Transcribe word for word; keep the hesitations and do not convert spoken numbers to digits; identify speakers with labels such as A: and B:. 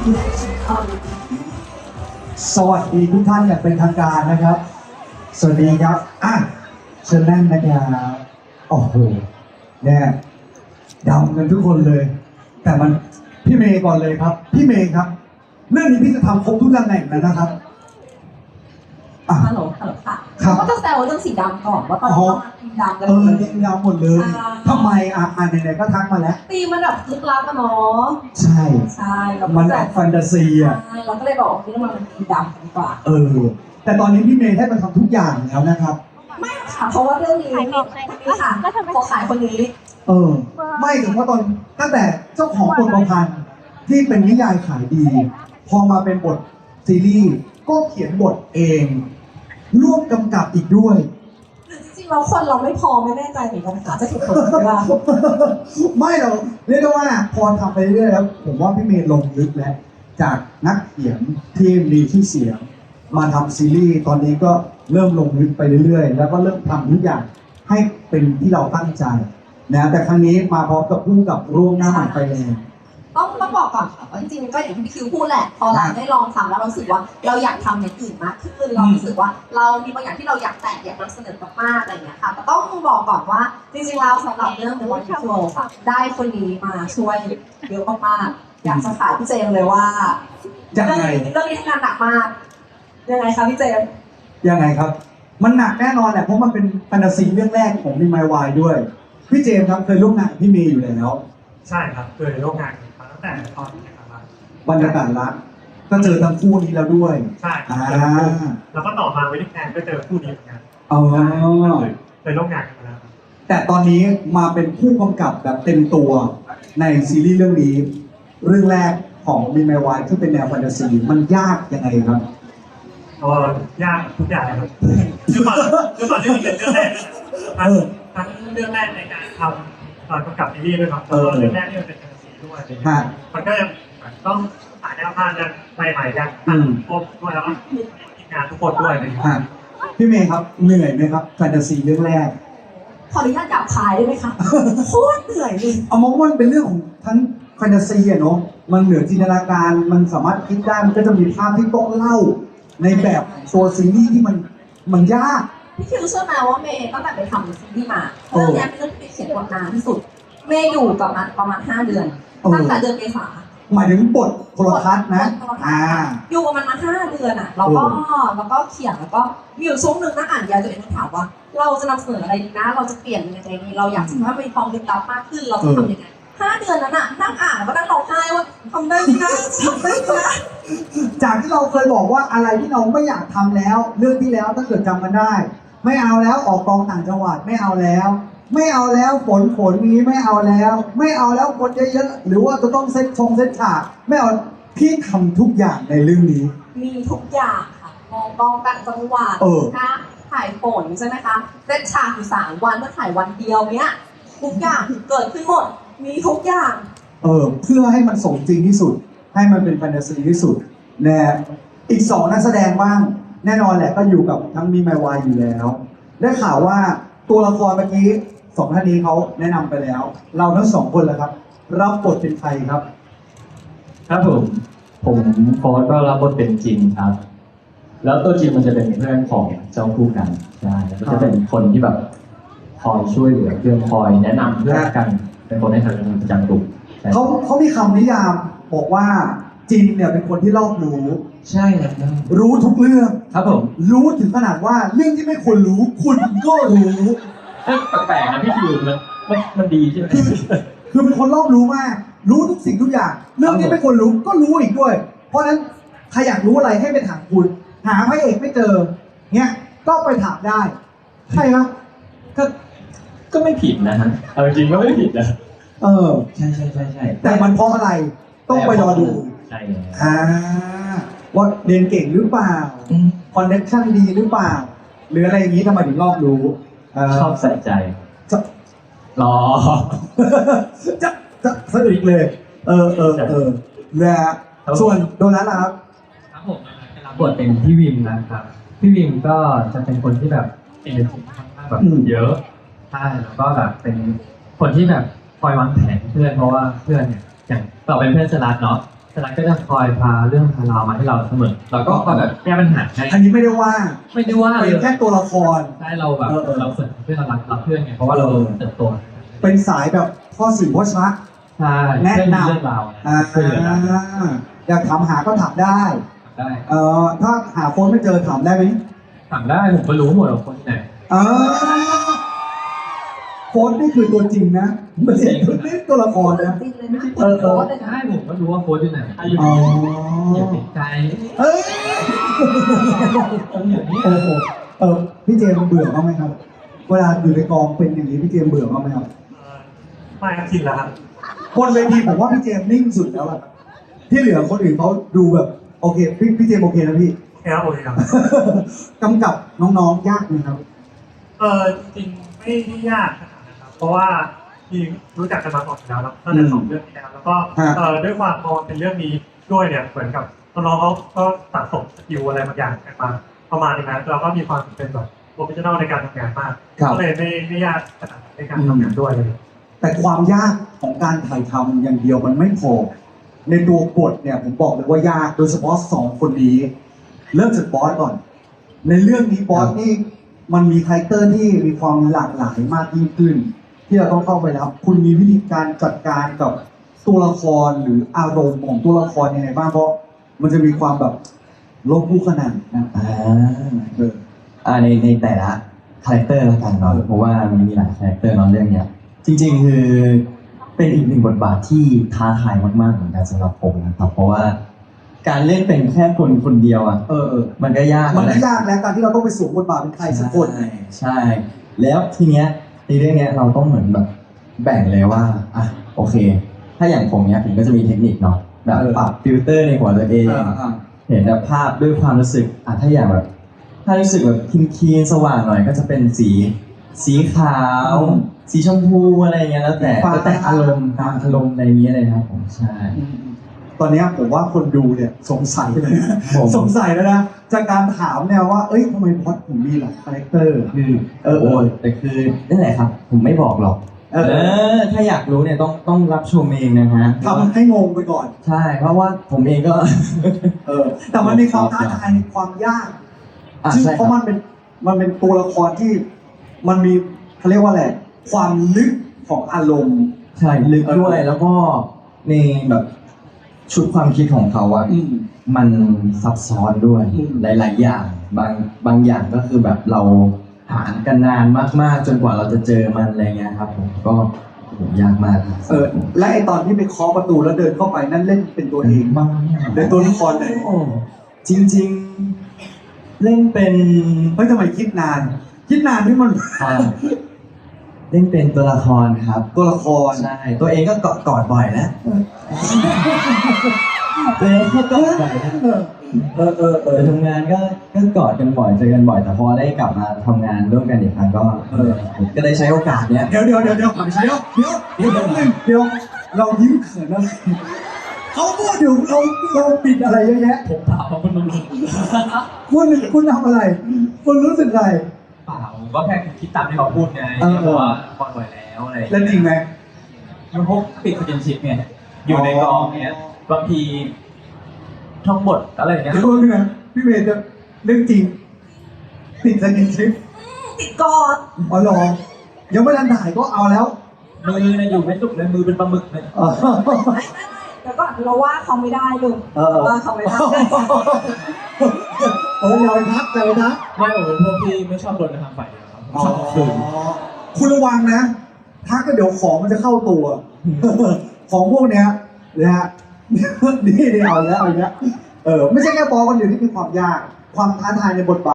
A: สวัสดีทุกท่านอย่างเป็นทางการนะครับ สวัสดีครับอ่ะเชิญนั่งนะครับโอ้โหเนี่ยดำกันทุกคนเลย แต่มันพี่เมย์ก่อนเลยครับ พี่เมย์ครับเรื่องนี้พี่จะทำครบทุกตำแหน่งแล้วนะครับอ่ะ
B: ฮัลโหลฮัลโหลค่ะ
A: ครับ
B: ก็จะแซวเรื่องสีดำก่อนว่าตอนนี้ต้องมาทีมดำกัน
A: เอ
B: หม
A: อ
B: ดเล
A: เรี
B: ย
A: ยงยาวหมดเลยทำไมอ่ะอ่านไหนๆก็ทักมาแล้ว
B: ตีมันแบบลึกลับอะเนาะ
A: ใช่
B: ใช่แล้ว
A: มัน
B: ก็
A: แบบแฟนตาซีอ่ะ
B: ใช่เราก็เลยบอกว่าวันนี้เรามาเป็นทีมดำกันดีกว่า
A: เออ แต่ตอนนี้พี่เมย์ได้มาทำทุกอย่างแล้วนะครับ
B: ไม่ค่ะเพราะว่าเรื่องนี้นี่ค่ะขอขายคนนี้
A: เออ ไม่ถึงว่าตอนตั้งแต่เจ้าของบทประพันธ์ที่เป็นนิยายขายดี พอมาเป็นบทซีรีส์ก็เขียนบทเอง ร่วมกำกับอีกด้วย
B: หรือจริงๆเราคนเราไม่พอไม่แน่ใจเหมือนกันค่ะจะถูกคนเวลา
A: ไม่หรอกเรียกได้ว่าพอทำไปเรื่อยๆแล้ว ผมว่าพี่เมย์ลงลึกแล้ว จากนักเขียนที่มีชื่อเสียง มาทำซีรีส์ตอนนี้ก็เริ่มลงลึกไปเรื่อยๆ แล้วก็เริ่มทำทุกอย่างให้เป็นที่เราตั้งใจนะแต่ครั้งนี้มาพร้อมกับผู้กับร่วมหน้าใหม่ไฟแรง
B: ต้องต้องบอกก่อนค่ะว่าจริงๆก็อย่างที่พี่คิวพูดแหละพอเราได้ลองทำแล้วเรารู้สึกว่าเราอยากทำอย่างอื่นมากขึ้นเรารู้สึกว่าเรามีบางอย่างที่เราอยากแตะอยากนำเสนอมากๆอะไรอย่างเงี้ยค่ะแต่ต้องบอกก่อนว่าจริงๆแล้วสำหรับเรื่อง The One Flow ค่ะได้คนนี้มาช่วยเยอะมากๆอยากจะขายพี่เจมส์เลยว่า
A: ยังไง
B: เรื่องนี้ทำงานหนักมากยังไงคะพี่เจมส์
A: ยังไงครับ มันหนักแน่นอนแหละเพราะมันเป็นแฟนตาซีเรื่องแรกของมีไมวายด้วย พี่เจมส์ครับเคยร่วมงานกับพี่เมย์อยู่แล้ว
C: ใช่ครับเคยร่วมงานกันมาตั้งแต่ตอนนี้ครับ
A: บรรยากาศรักก็เจอทั้งคู่นี้แล้วด้วย
C: ใช่ครั
A: อ่า
C: บเจอคู่แล้วก็ต่อมาวินิแคนก็เจอคู่นี้เหมือนกัน
A: อ๋อ
C: เคยร่วมงานกันมาแล้วครับ
A: แต่ตอนนี้มาเป็นผู้กำกับแบบเต็มตัวในซีรีส์เรื่องนี้ เรื่องแรกของมีไมวายที่เป็นแนวแฟนตาซีมันยากยังไงครับ
C: ก็ยากทุกอย่างเลยครับคือตอนคือตอนที่มีเป็นเรื่องแรกทั้งทั้งเรื่องแรกในการทำตอนกำกับซีรีส์ด้วยครับแล้วก็เรื่องแรกที่มันเป็นแฟนตาซีด้วยอะไรเงี้ยมันก็ยังต้องหาแนวทางกันใหม่ๆกันทั้งครบด้วยแล้วก็ทีมงานทุกคนด้วยอะไรเงี้ย
A: อ่ะพี่เมย์ครับเหนื่อยไหมครับแฟนตาซีเรื่องแรก
B: ขออนุญาตจับขายได้ไหมคะโคตรเหนื่อยเลย
A: เอามองว่ามันเป็นเรื่องของทั้งแฟนตาซีอะเนาะ มันเหนือจินตนาการ มันสามารถคิดได้ มันก็จะมีภาพที่ต้องเล่า ในแบบตัวซีรีส์ที่มันมันยาก
B: พี่คิวเชื่อไหมว่าเมย์ตั้งแต่ไปทำซีรีส์มาเรื่องนี้เป็นเรื่องที่เขียนบทนานที่สุดเมย์อยู่กับมันประมาณห้าเดือนตั้งแต่เดือนเมษา
A: หมายถึงบทโทรทัศน์นะ อ่า
B: อยู่กับมันมาห้าเดือนอ่ะแล้วก็แล้วก็เขียนแล้วก็มีอยู่ช่วงหนึ่งนั่งอ่านยายตัวเองก็ถามว่า เราจะนำเสนออะไรดีนะ เราจะเปลี่ยนยังไงดีเราอยากจะให้มันมีความลึกลับมากขึ้นเราจะทำยังไงห้าเดือนนั้นอ่ะนั่งอ่านแล้วก็นั่งร้องไห้ว่าทำได้ไหมนะทำได้ไหมนะ
A: จากที่เราเคยบอกว่าอะไรที่เราไม่อยากทำแล้ว เรื่องที่แล้วถ้าเกิดจำกันได้ ไม่เอาแล้วออกกองต่างจังหวัดไม่เอาแล้ว ไม่เอาแล้วฝนฝนนี้ไม่เอาแล้ว ไม่เอาแล้วคนเยอะๆหรือว่าจะต้องเซตชงเซตฉากไม่เอาพี่ทำทุกอย่างในเรื่องนี้
B: มีทุกอย่างค่ะมองกองต่างจังหวัด
A: เออ
B: นะถ่ายฝนใช่ไหมคะเซตฉากอยู่สามวันเมื่อถ่ายวันเดียวเนี้ยทุกอย่างเกิดขึ้นหมดมีทุกอย่าง
A: เออเพื่อให้มันสมจริงที่สุด ให้มันเป็นแฟนตาซีที่สุดนะอีกสองนักแสดงบ้าง แน่นอนแหละก็อยู่กับทั้งมีไมวายอยู่แล้ว ได้ข่าวว่าตัวละครเมื่อกี้สองท่านนี้เขาแนะนำไปแล้ว เราทั้งสองคนแหละครับ รับบทเป็นใครครับ
D: ครับผม ผมโฟร์สก็รับบทเป็นจินครับ แล้วตัวจินมันจะเป็นเพื่อนของเจ้าคู่กันใช่แล้วก็จะเป็นคนที่แบบคอยช่วยเหลือเพื่อนคอยแนะนำเพื่อนกัน เป็นคนให้ทำงานประจำกลุ่มใช่
A: เขาเขามีคำนิยามบอกว่าจินเนี่ยเป็นคนที่รอบรู้
D: ใช่ครับ
A: รู้ทุกเรื่อง
D: ครับผม
A: รู้ถึงขนาดว่าเรื่องที่ไม่ควรรู้ คุณก็รู้
D: เอ้ยแปลกๆนะพี่คิวมันมันมันดีใช่ไหม
A: คือเป็นคนรอบรู้มาก รู้ทุกสิ่งทุกอย่าง เรื่องที่ไม่ควรรู้ก็รู้อีกด้วย เพราะฉะนั้นใครอยากรู้อะไรให้ไปถามคุณ หาพระเอกไม่เจอ เนี่ยก็ไปถามได้ ใช่ไหม
D: ก็ก็ไม่ผิดนะฮะเอาจริงๆก็ไม่ผิดนะ
A: เออ
D: ใช่ใช่ใช่ใช่
A: แต่มันเพราะอะไร ต้องไปรอดู
D: ใช่แล้ว
A: อ่าว่าเรียนเก่งหรือเปล่า
D: อืม
A: คอนเนคชั่นดีหรือเปล่า หรืออะไรอย่างนี้ทำไมถึงรอบรู้เ
D: ชอบใส่ใจ
A: จะ
D: รอ
A: จะจะสะอึกเลย เออเออเออนะฮะส่วนโดนัทล่ะครับ
E: ครับผมรับบทเป็นพี่วิมนะครับ พี่วิมก็จะเป็นคนที่แบบเอเนอร์จีค่อนข้างแบบ
A: อืม
E: เยอะใช่แล้วก็แบบเป็นคนที่แบบคอยวางแผนเพื่อนเพราะว่าเพื่อนเนี่ยอย่างเราเป็นเพื่อนสลัดเนาะสลัดก็จะคอยพาเรื่องพาราวมาให้เราเสมอเราก็คอยแบบแก้ปัญหาให้
A: อันนี้ไม่ได้ว่า
E: ไม่ได้ว่าเล
A: เป็
E: ย
A: นแค่ตัวละคร
E: ใช่เราแบบ
A: เออเออ
E: เราเสนอเพื่อนเรารักเราเพื่อนไงเพราะว่าเราเติบโต
A: เป็นสายแบบพ่อสื่อพ่อชัก
E: ใช่
A: แนะนำ
E: เรื่องเรื่องราว
A: อ่า
E: ช่วยเหลือกัน
A: อยากถามหาก็ถามได้
E: ได้
A: เอ่อถ้าหาโฟนไม่เจอถามได้ไหม
E: ถามได้ผมก็รู้หมดว่าคนที่ไหน
A: เออโฟนนี่คือตัวจริงนะไม่ใช่ตัวละครนะ
B: จริงเลยนะ
A: เออเออ
B: เลยนะ
E: ใช่ผมก็รู้ว่าโค้ชที่ไหนอยู่
A: อ๋อ
E: อย่าติดใจ
A: เอ้ย
E: อย่างนี้
A: โอ้โหเออพี่เจมส์เบื่อบ้างไหมครับ เวลาอยู่ในกองเป็นอย่างนี้พี่เจมส์เบื่อบ้างไหมครับ
C: เอ่อไม่ครับชินแล้วครับ
A: บนเวทีผมว่าพี่เจมส์นิ่งสุดแล้วอะที่เหลือคนอื่นเขาดูแบบโอเคพี่พี่เจมส์โอเคนะพี่
C: แค่โอเคครับ
A: กำกับน้องๆยากไหมครับ
C: เออจริงๆไม่ได้ยากขนาดนั้นครับเพราะว่าทีมรู้จักกันมาก่อนอยู่แล้วตั้งแต่สองเรื่องที่แล้วแล้วก็
A: ฮะ
C: เออด้วยความพอเป็นเรื่องนี้ด้วยเนี่ยเหมือนกับน้องๆเขาก็สะสมสกิลอะไรบางอย่างกันมาประมาณนึงนะเราก็มีความเป็นแบบโปรเฟชชั่นอลในการทำงานมาก
A: ครับ
C: ก็เลยไม่ไม่ยากขนาดนั้นในการทำงานด้วยเลย
A: แต่ความยากของการถ่ายทำอย่างเดียวมันไม่พอ ในตัวบทเนี่ยผมบอกเลยว่ายากโดยเฉพาะสองคนนี้ เริ่มจากบอสก่อน ในเรื่องนี้บอสนี่มันมีคาแรคเตอร์ที่มีความหลากหลายมากยิ่งขึ้น ที่เราต้องเข้าไปแล้วคุณมีวิธีการจัดการกับตัวละครหรืออารมณ์ของตัวละครยังไงบ้างเพราะมันจะมีความแบบลบคู่ขนานนะ
F: อ่า
A: เออ
F: อ่าในในแต่ละคาแรคเตอร์ละกันเนาะเพราะว่ามันมีหลายคาแรคเตอร์เนาะเรื่องเนี้ยจริงๆคือเป็นอีกหนึ่งบทบาทที่ท้าทายมากๆเหมือนกันสำหรับผมนะครับเพราะว่าการเล่นเป็นแค่คนคนเดียวอ่ะ
A: เออเออ
F: มันก็ยาก
A: มัน
F: แล้
A: ก็
F: วย
A: ากแล้วการที่เราต้องไปสวมบทบาทเป็นใครสักคน
F: ใช่ใช่ แล้วทีเนี้ยในเรื่องเนี้ยเราต้องเหมือนแบบแบ่งเลยว่าอ่ะโอเค ถ้าอย่างผมเนี้ยผมก็จะมีเทคนิคเนาะแบบ
A: เออ
F: ปรับฟิลเตอร์ในหัวตัวเอง
A: อ่าอ่า
F: เห็นแบบภาพด้วยความรู้สึกอ่ะถ้าอย่างแบบ ถ้ารู้สึกแบบคินคีนๆสว่างหน่อยก็จะเป็นสี สีขาว
A: อืม
F: สีชมพูอะไรอย่างเงี้ยแล้วแต่
A: สีฟ้า
F: แล้วแต่อารมณ์ตามอารมณ์ในนี้เลยครับผมใช่
A: ตอนเนี้ยผมว่าคนดูเนี่ยสงสัยเลยนะ
F: ผม
A: สงสัยแล้วนะจากการถามเนี่ยว่าเอ้ยทำไมพอดผมมีหลายคาแรคเตอร์
F: คือเออโอ้ยแต่คือนั่นแหละครับ ผมไม่บอกหรอก
A: เอ
F: เอ
A: อ
F: อ ถ้าอยากรู้เนี่ยต้องต้องรับชมเองนะฮะ
A: ทำให้งงไปก่อน
F: ใช่ เพราะว่าผมเองก็
A: เออ แต่มันมีความท้าทายในความยาก
F: อ่ะ
A: ซึ่ง
F: ใช่
A: เพ
F: ครั
A: ราะ
F: บ
A: มันเป็นมันเป็นตัวละครที่มันมีเขาเรียกว่าอะไรความลึกของอารมณ์
F: ใช่ลึกด้วยแล้วก็ในแบบชุดความคิดของเขาอะ
A: อืม
F: มันซับซ้อนด้วย
A: อืม
F: หลาย ๆ อย่างบางบางอย่างก็คือแบบเราหากันนานมาก ๆ จนกว่าเราจะเจอมันอะไรเงี้ยครับผมก็โอ้โหยากมาก
A: เออและไอตอนที่ไปเคาะประตูแล้วเดินเข้าไปนั่นเล่นเป็นตัวเอง
F: มาก
A: ในตัวละครไหน
F: จริง ๆ เล่นเป็น
A: เฮ้ยทำไมคิดนาน คิดนานที่มัน
F: อ่าเล่นเป็นตัวละครครับ
A: ตัวละคร
F: ใช่ตัวเองก็กอดกอดบ่อยนะตัวเองก็กอดบ่อยนะ
A: เออเออเอ
F: เอ
A: อ
F: อทำงานก็ก็กอดกันบ่อยเจอกันบ่อยแต่พอได้กลับมาทำงานร่วมกันอีกครั้งก็เออก็ได้ใช้โอกาสเนี้ย
A: เดี๋ยวเดี๋ยวเดี๋ยวเดี๋ยวเดี๋ยวเดี๋ยวเดี๋ยวเดี๋ยวนึงเดี๋ยวเรายิ้มเขินอะไรเขาพูดอยู่เราเราปิดอะไรเยอะแยะ
E: ผมเปล่าคุณนุ่น
A: คุณคุณทำอะไร คุณรู้สึกอะไร
E: เปล่าก็แค่คิดตามที่เขาพูดไง
A: เออ
E: เพราะว่าพอหน่วยแล้วอะไร
A: แล้วจริงไหม
E: มันพวกปิดคอนเทนชิพไงอยู่ในกองเนี้ยบางทีท่องบทอะไรอย่างเงี้ย
A: เดี๋ยวนึงนะพี่เมย์จะเรื่องจริง ติดสกินชิป
B: ติดกอด
A: อ๋อเหรอยังไม่ทันถ่ายก็เอาแล้ว
E: มือเนี่ยอยู่ไม่สุกเลยมือเป็นปลาหมึกเลย
A: เออ
B: แล้วก็เราว่าเขาไม่ได้ลูก
A: เออ
B: ว่าเขาไม่ได้
A: เอออย่าไปทักอย่าไปทัก
E: ไม่ผมเป็นพวกที่ไม่ชอบโดนกระทำฝ่ายเดียวครับผมชอบคืน
A: คุณระวังนะ ทักก็เดี๋ยวของมันจะเข้าตัว ของพวกเนี้ยนะฮะ นี่นี่เอาแล้วเอาแล้วเออไม่ใช่แค่บอลคนเดียวที่มีความยาก ความท้าทายในบทบาท